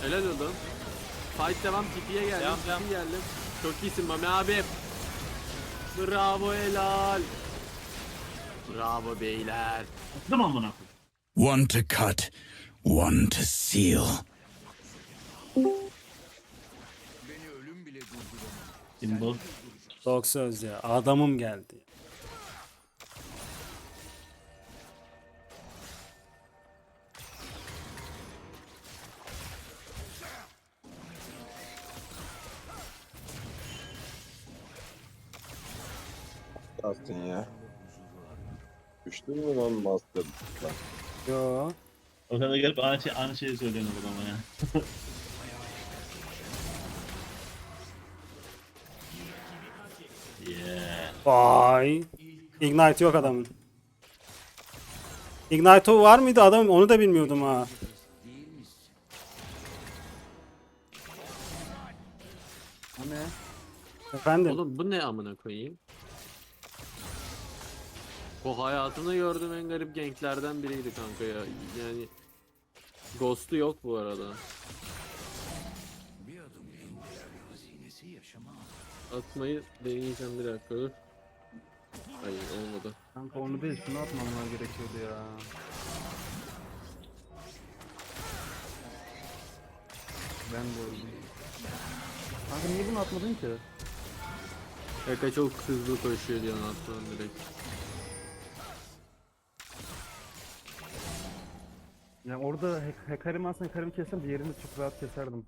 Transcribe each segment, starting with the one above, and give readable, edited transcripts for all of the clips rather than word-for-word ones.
Helal oğlum. Fight devam, tipiye geldim. Devam. Geldim. Çok iyisin Mami abi. Bravo, helal. Bravo beyler. Değil mi amına koyayım? One to cut, one to seal. Simbol. Çok söz ya. Adamım geldi. Kastın ya. Düştün mü lan Master? Yo. O kadar gelip aynı şeyi söylüyorsun o zaman ya. Yeah. Vay. Ignite yok adamın. Ignite var mıydı adamın? Onu da bilmiyordum ha. Bu ne? Efendim. Oğlum bu ne amına koyayım? O hayatımda gördüğüm en garip ganklerden biriydi kanka ya. Yani Ghost'u yok bu arada. Atmayı deneyeceğim, bir dakika dur. Hayır, olmadı. Kanka onu değil, şunu atmamlar gerekiyordu ya. Ben de öldüm. Kanka niye bunu atmadın ki? Eka çok hızlı koşuyor diye attım direkt. Yani orada Hecarim'i aslında Hecarim'i kessem diğerini çok rahat keserdim.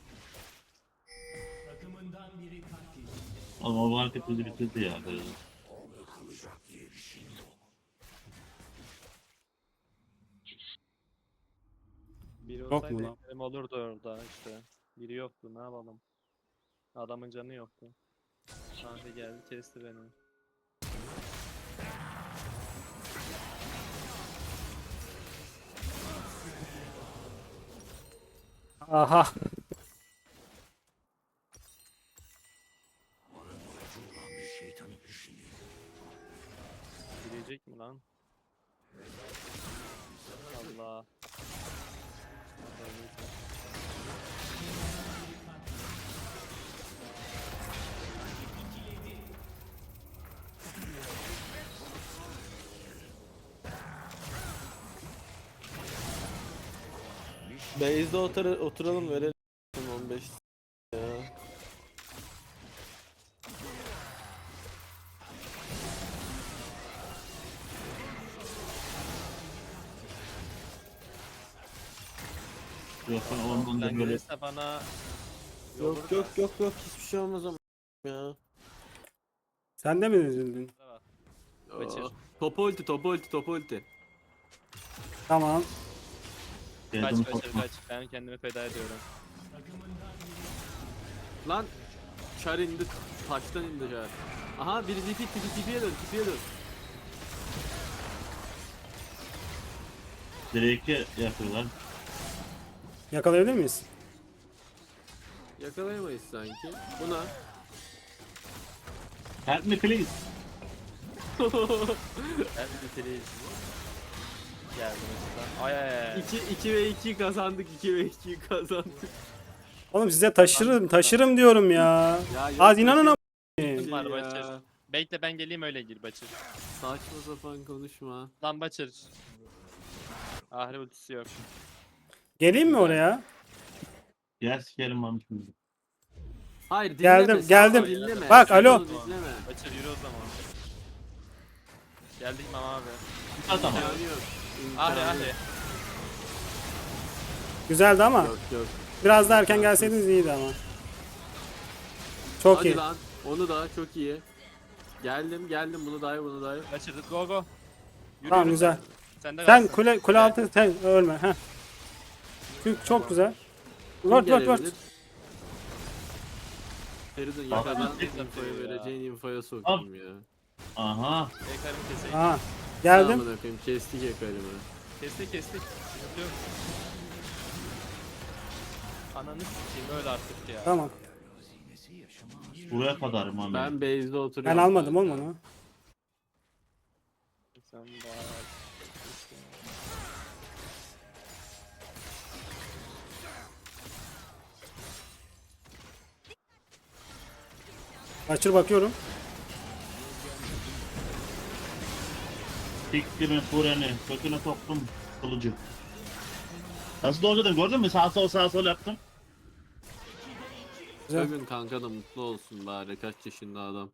Oğlum o market bizi bitirdi ya. Biri Yok mu olsaydı lan? eklerim olurdu orada işte. Biri yoktu, ne yapalım. Adamın canı yoktu. Kanka geldi kesti beni. Aha. Girecek mi lan? Allah. Base'de oturalım, verelim 15 ya. Yok ben ondan da Ben böyle gelirse bana Yok hiçbir şey olmaz ama ya. Sen de mi üzüldün? Kaçır. Top ulti. Tamam. geldim Kaç. Ben kendimi feda ediyorum. Lan Char indi, taştan indi Char. Aha biri tipiye dön. Drake'e yapıyorlar. Yakalayabilir miyiz? Yakalayamayız sanki. Buna. Help me please. Ben bitireyim. Geldim mesela. Ay. 2 ve 2 kazandık. Oğlum size taşırım diyorum ya. Ya yok, Az inanın ama. Var ya. Başır. Bekle ben geleyim öyle gir Başır. Saçma sapan konuşma. Lan Başır. Ahri ultisi yok. Geleyim mi oraya? Gel sikerim lan şimdi. Hayır Geldim, dinleme. geldim. Dinleme. Bak, Sen alo. onu dinleme. Başır yürü o zaman. Geldik Mama abi. At ama. İmkanı yok. Ahri İmkanı Ahri. yok. Güzeldi ama. Yok. Biraz daha erken gelseydiniz iyiydi ama. Çok Hadi iyi. lan. Onu da çok iyi. Geldim bunu dayı. Başır go. Yürü, Tamam, yürü. güzel. Sen de Sen kalsın. kule altı sen ölme. Heh. Çok güzel. Vört. Feridun yakadan infoyu vereceğin infoya sokayım ya. Aha. Ekarımı keseyim. Aha. Geldim. Amına koyayım, kestik yakarımı. Kestik. Sıkıntı yok. Ananı sikeyim öyle artık ya. Tamam. Buraya kadar mı? Ben base'de oturuyorum. Ben almadım oğlum onu. Sen bayağı... Kaçır bakıyorum. Siktirin Furen'i. Köküne soktum kılıcı. Nasıl doğru gördün mü? Sağ sol yaptım. Güzel. Bugün kanka da mutlu olsun bari. Kaç yaşında adam.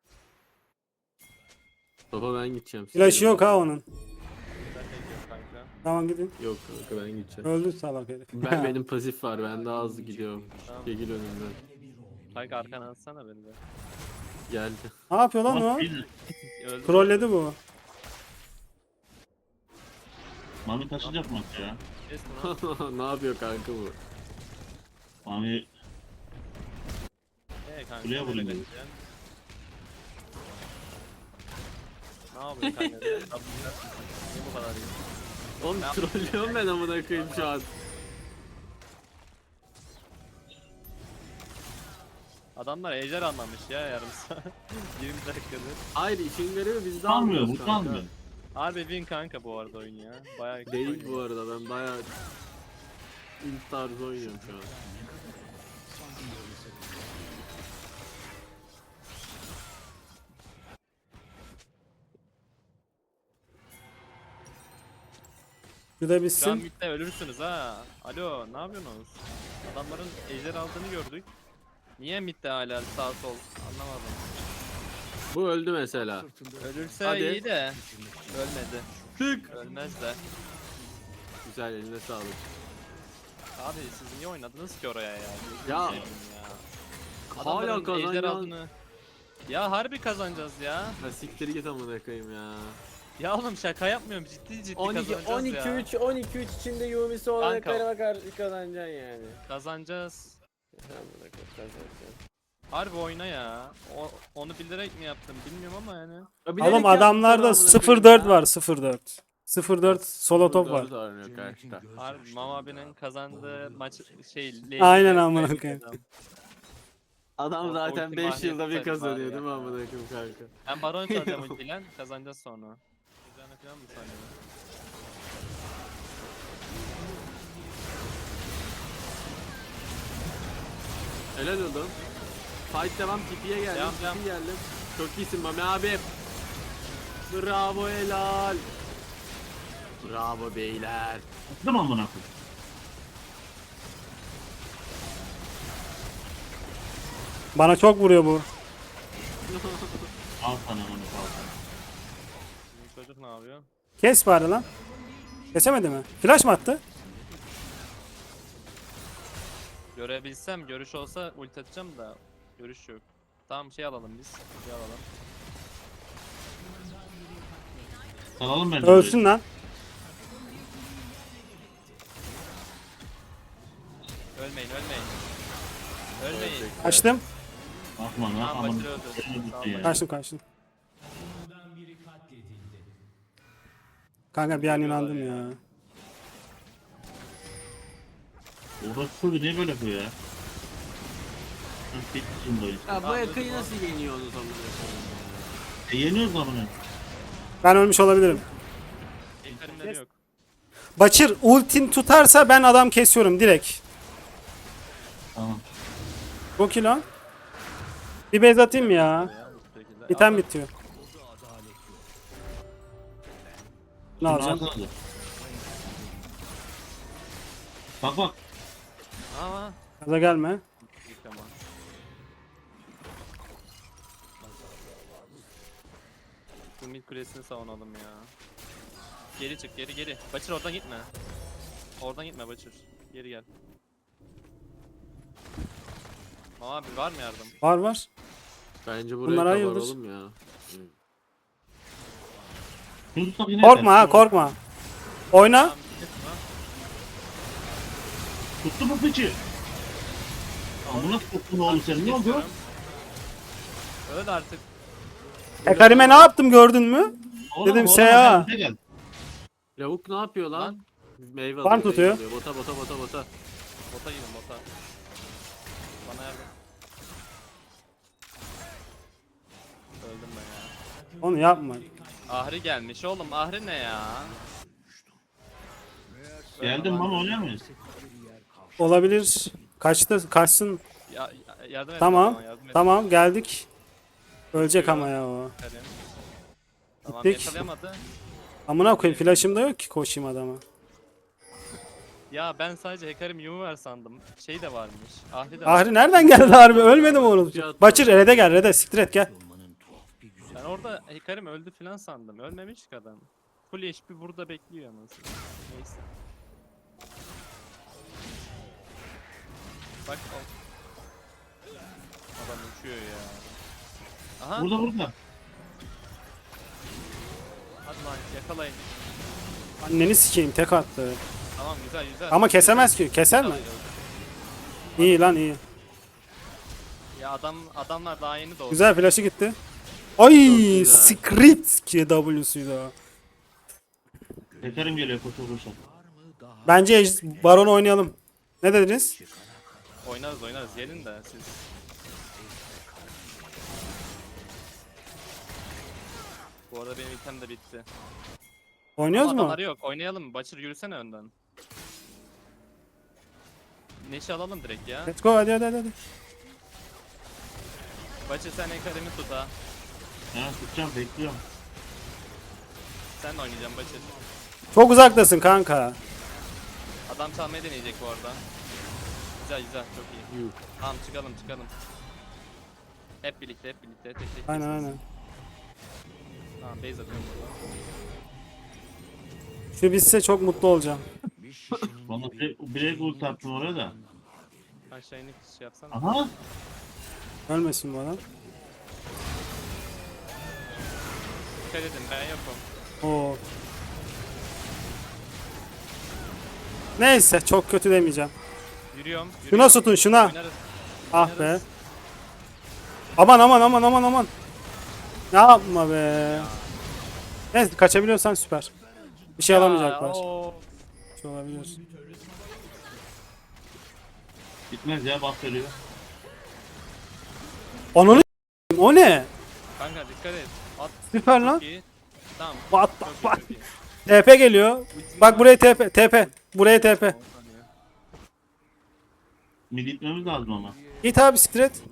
Baba ben gideceğim. Flash yok ha onun. Ben de gidiyorum kanka. Tamam gidin. Yok kanka ben gideceğim. Öldü salak herif. Benim pasif var. Ben daha hızlı gidiyorum. Tamam. Çekil önümden. Kanka arkana atsana beni de. Geldi. Ne yapıyor lan o? Öldü. Trolledi bu. Mami taşıyacak maç ya. Kes bunu. Ne yapıyor kanka bu? Mami Kanka. Kuleye böyle vurayım kaçacaksın. Ne yapıyor kanka? Niye bu kadar iyi? Oğlum trollüyorum ben amına koyayım şu an. Adamlar ejder anlamış ya yarım saat. 20 dakikadır. Hayır işin garibi biz de kalmıyor almıyoruz bu kanka. kalmıyor. Harbi win kanka bu arada oyun ya. Bayağı kötü Değil oynuyor. bu arada ben bayağı int tarzı oynuyorum şu an. Bir de Şu an bitsin. midde ölürsünüz ha. Alo ne yapıyorsunuz? Adamların ejder aldığını gördük. Niye midde hala sağ sol anlamadım. Bu öldü mesela. Ölürse Hadi. iyi de ölmedi. Tık. Ölmez de. Güzel eline sağlık. Abi siz niye oynadınız ki oraya ya? Ya. Gözünü seveyim ya. Hala Adamların ejder kazanacağız. aldığını. Ya harbi kazanacağız ya. Ya siktir git amına koyayım ya. Ya oğlum şaka yapmıyorum ciddi 12 kazanacağız 12 ya. 3 12 3 içinde Yumi'si olana Kanka. kadar karşı kazanacaksın yani. Kazanacağız. Amına koyayım kazanacaksın. Harbi oyna ya. Onu bilerek mi yaptım bilmiyorum ama yani. Ya bilerek Oğlum yaptılar adamlarda amına 0-4 koyayım ya. var 0-4. 0-4 solo top var. Dört oynuyor karşıda. Harbi Mama abinin kazandığı maç Aynen amına koyayım. Adam O zaten ulti 5 yılda bir manyak kazanıyor var ya. değil mi amına koyayım kanka? Ben baron çalacağım ultiyle kazanacağız sonra. Güzel falan mı sanıyorsun? Helal olsun. Fight devam tipiye geldim. Devam. Tipi geldim. Çok iyisin Mami abi. Bravo helal. Bravo beyler. Attım amına koyayım. Bana çok vuruyor bu. Al sana onu al. Bizim çocuk ne yapıyor? Kes bari lan. Kesemedi mi? Flash mı attı? Görebilsem görüş olsa ulti atacağım da görüş yok. Tamam şey alalım biz. Şey alalım. Salalım beni. Ölsün lan. Ölmeyin. Ölmeyin. Kaçtım. Bakma lan Tamam amına. Başır öldü. Ölmedi Tamam, ya. Kaçtım. Kanka bir an inandım ya. Orası niye böyle yapıyor ya? Bitti şimdi oyun. Ya bu yakayı nasıl yeniyorsunuz amına koyayım ya? Yeniyoruz amına. Ben ölmüş olabilirim. Ejderimleri yok. Başır ultin tutarsa ben adam kesiyorum direkt. Tamam. Çok iyi lan. Bir base atayım ya. Ya, bu şekilde. İtem Al, bitiyor. Ne alacağım? Ağzına al. Bak bak. Ama. Gaza gelme. Yıkama. Şu mid kulesini savunalım ya. Geri çık geri. Başır oradan gitme. Oradan gitme Başır. Geri gel. Mama abi var mı yardım? Var. Bence buraya Bunlar kadar hayırdır? oğlum ya. Şunu tutsak yine Korkma yeter. ha korkma. Oyna. Tamam, gitme. Tuttu mu piçi? Amına tuttun oğlum sen ne oldu? Kesiyorum. Öl artık. Karime ne yaptım gördün mü? Oğlum, Dedim oğlum, Seha. gel, gel. Lavuk ne yapıyor lan? Lan. Meyve Farm alıyor, tutuyor. meyve alıyor. Bota. Bota gidin bota. Bana yardım. Öldüm ben ya. Onu yapma. Ahri gelmiş oğlum. Ahri ne ya? Geldim bana oynar mıyız? Olabilir. Kaçsın. Yardım et. Tamam. bana, yardım et. Tamam geldik. Ölecek ama ya o. Karim. Tamam Gittik. yakalayamadı. Amına koyayım flash'ım da yok ki koşayım adama. Ya ben sadece Hekarim Yumiver sandım. Şey de varmış. Ahri de Ahri nereden geldi harbi? Ölmedim oğlum. Cihat- Başır Red'e gel Red'e siktir et gel. Ben orada Hekarim öldü falan sandım. Ölmemiş ki adam. Full HP burada bekliyor anasını. Neyse. Bak o. Adam uçuyor ya. Aha. Burada. Hadi lan yakalayın. Anneni sikeyim tek attı. Tamam güzel güzel. Ama kesemez ki. Keser mi? Yakalıyor. İyi lan iyi. Ya adamlar daha yeni doğdu. Güzel flash'ı gitti. Ay güzel. script ki W'suydu o. Tekerim geliyor koşu koşu. Bence Baron oynayalım. Ne dediniz? Oynarız gelin de siz. Bu arada benim item de bitti. Oynuyoruz Ama mu? adamları yok. Oynayalım mı? Başır yürüsene önden. Neşe alalım direkt ya. Let's go hadi. Başır sen Hekarim'i tut ha. Ha tutacağım bekliyorum. Sen de oynayacaksın Başır. Çok uzaktasın kanka. Adam çalmayı deneyecek bu arada. Güzel çok iyi. Yuh. Tamam çıkalım. Hep birlikte tek tek. Aynen. Tamam base atıyorum burada. Şu bitse çok mutlu olacağım. Bana direkt ult attım oraya da. Aşağı inip şey yapsana. Aha. Ölmesin bu adam. Dikkat edin ben yokum. Oo. Neyse çok kötü demeyeceğim. Yürüyorum. Şuna tutun şuna. Oynarız. Ah be. Aman. Ne yapma be. Neyse kaçabiliyorsan süper. Bir şey alamayacaklar. Oo. Bir şey olabilir. Gitmez ya bak veriyor. Ananı s**eyim, o ne? Kanka dikkat et. At. Süper lan. Çok iyi. Tamam. What the Çok iyi, fuck? çok iyi. TP geliyor. Bak buraya TP. Buraya TP. Mid gitmemiz lazım ama. Git abi siktir et.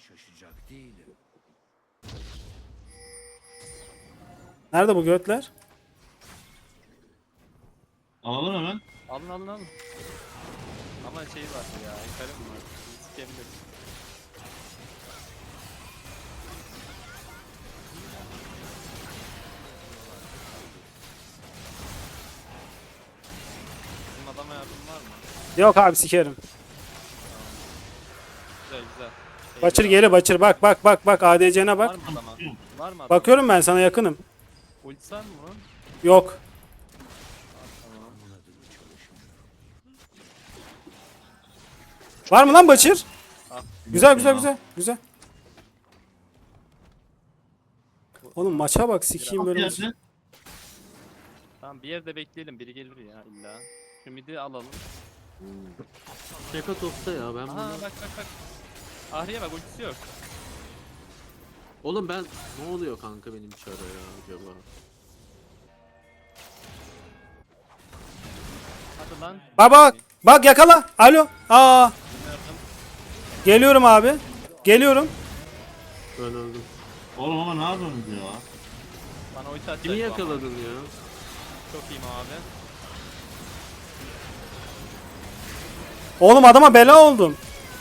Nerede bu götler? Alalım hemen. Alın. Ama şey var ya. Hekarim var. Sikebilir. Bizim adama yardım var mı? Yok abi sikerim. Güzel. Başır geri başır bak ADC'ne Var bak. mı adama? Var mı adama? Bakıyorum ben sana yakınım. Ultisi var mı bunun? Yok. Tamam. Var mı lan Başır? Ah. Güzel. Oğlum maça bak sikeyim böyle. Gelsin. Tamam bir yerde bekleyelim. Biri gelir ya illa. Şu midi alalım. Şaka topta ya ben Aha bunu... bak. Ahriye bak ultisi yok. Oğlum ben... Ne oluyor kanka benim çara ya acaba? Hadi lan. Bak yakala. Alo. Aa. Yardım. Geliyorum abi. Geliyorum. Ben öldüm. Oğlum ama ne yapıyorsunuz ya? Bana ulti atacak Kimi bu ama. yakaladın ya? Çok iyiyim abi. Oğlum adama bela oldum.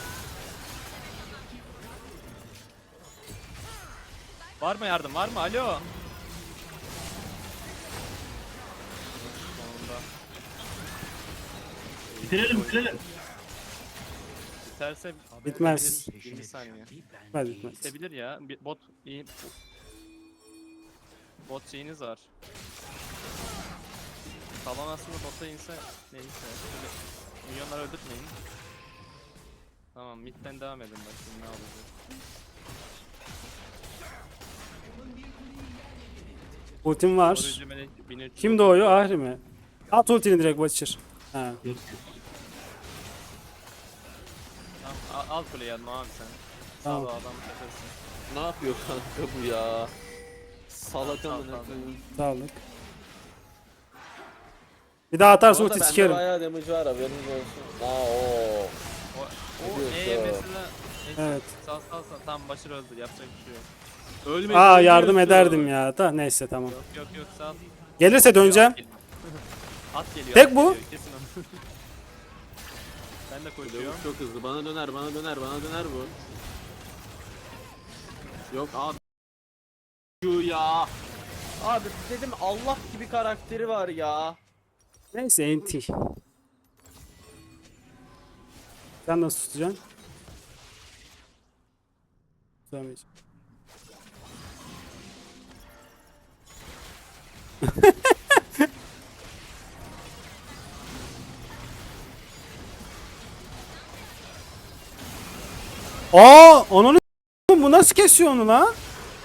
Var mı yardım? Var mı? Alo. Sonunda. Bitirelim. Biterse Bitmez. 20 saniye. Bitmez. Bitebilir ya. Bir bot iyi. Bot şeyiniz var. Talon aslında bota inse neyse. Şöyle milyonları öldürtmeyin. Tamam midden devam edin bakayım ne olacak. Ultim var. Koruyucu melek 1300. Kim doğuyor? Ahri mi? At ultini direkt Başır. Ha. Yok. Tamam, al kuleyi yanıma abi sen. Tamam. Sağ ol adam kaçırsın. Ne yapıyor kanka bu ya? Salak Tamam, amına tamam. koyayım. Sağlık. Bir daha atarsa Orada ulti bende sikerim. bayağı damage var haberiniz olsun. O diyorsun? mesela Evet. Sağ tamam Başır öldü yapacak bir şey yok. Ölmedi. Aa yardım ölüyorsun. ederdim ya. Da neyse tamam. Yok sağ ol. Gelirse döneceğim. At geliyor. Tek at bu. geliyor, kesin onu. Ben de koşuyorum. Lavuk çok hızlı. Bana döner, bana döner, bana döner bu. Yok abi. Şu ya. Abi dedim Allah gibi karakteri var ya. Neyse NT. Sen nasıl tutacaksın? Tutamayacağım. Aa, onu bu nasıl kesiyor onu lan?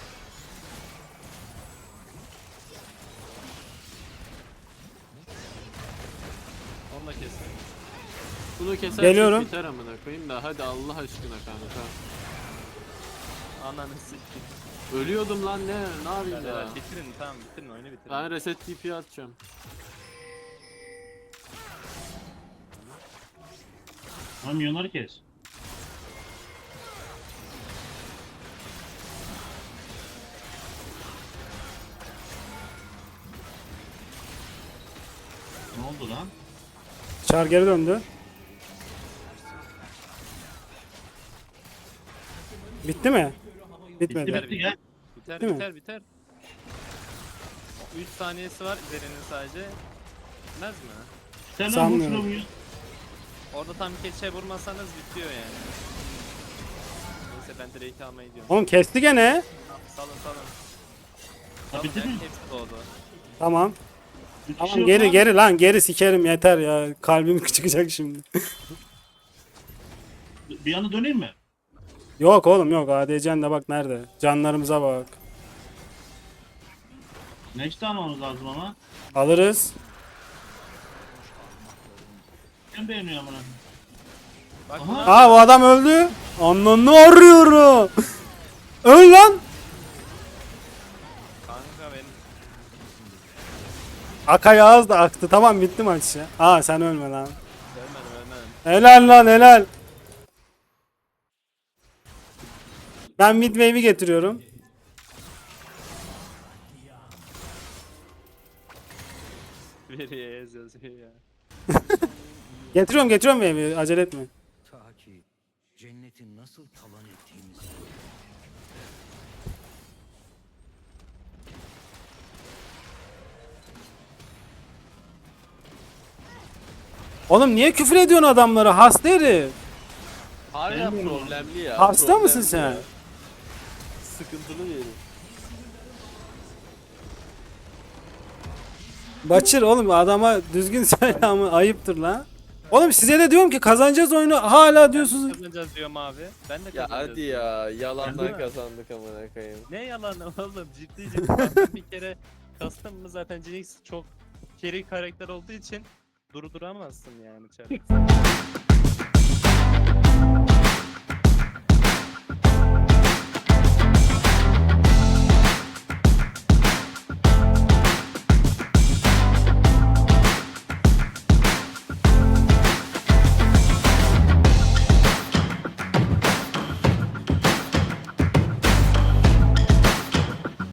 Onu da kesin. Bunu kesersek Geliyorum. biter amına koyayım da hadi Allah aşkına kanka. Ananı siktir. Ölüyordum lan ne yapayım Hadi ya. hadi bitirin tamam bitirin oyunu bitirin. Ben reset TP atacağım. Lan milyonları kes. Ne oldu lan? Çar geri döndü. Bitti mi? Bitmedi. Bitti gel. Biter Değil mi? biter. 3 saniyesi var üzerinin sadece. Bitmez mi? Sen lan Sanmıyorum. vursun Orada tam keçe vurmasanız bitiyor yani. Neyse ben Drake'i almaya gidiyorum. Oğlum kesti gene. Salın. Ha Salın bitti mi? hepsi doğdu. Tamam. Bir kişi Tamam yok geri lan. geri lan geri sikerim yeter ya. Kalbim çıkacak şimdi. Bir yana döneyim mi? Yok oğlum yok. ADC'n de bak nerede. Canlarımıza bak. Next almamız lazım ama. Alırız. Ben beğeniyorum bunu. Bak Aha. buna Aa bu adam öldü. Ananı arıyorum. Öl lan. kanka benim. Akay ağız da aktı. Tamam bitti maç ya. Aa sen ölme lan. Ölmedim. Helal lan helal. Ben mid wave'i getiriyorum. Veriye yazıyor ya. Getiriyorum wave'i. Acele etme. Ta ki cenneti nasıl talan ettiğimizi. Oğlum niye küfür ediyorsun adamlara? Hasta herif. Hala problemli ya. Hasta problemli mısın sen? ya. Sıkıntılı bir herif. Baçır oğlum adama düzgün söyle ama ayıptır lan. Oğlum size de diyorum ki kazanacağız oyunu hala diyorsunuz. Kazanacağız diyorum abi. Ben de Ya kazanacağız. hadi ya Değil yalandan mi? kazandık amına koyayım. Ne yalan oğlum ciddi. Ben bir kere custom mı zaten Jinx çok carry karakter olduğu için durduramazsın yani içeride.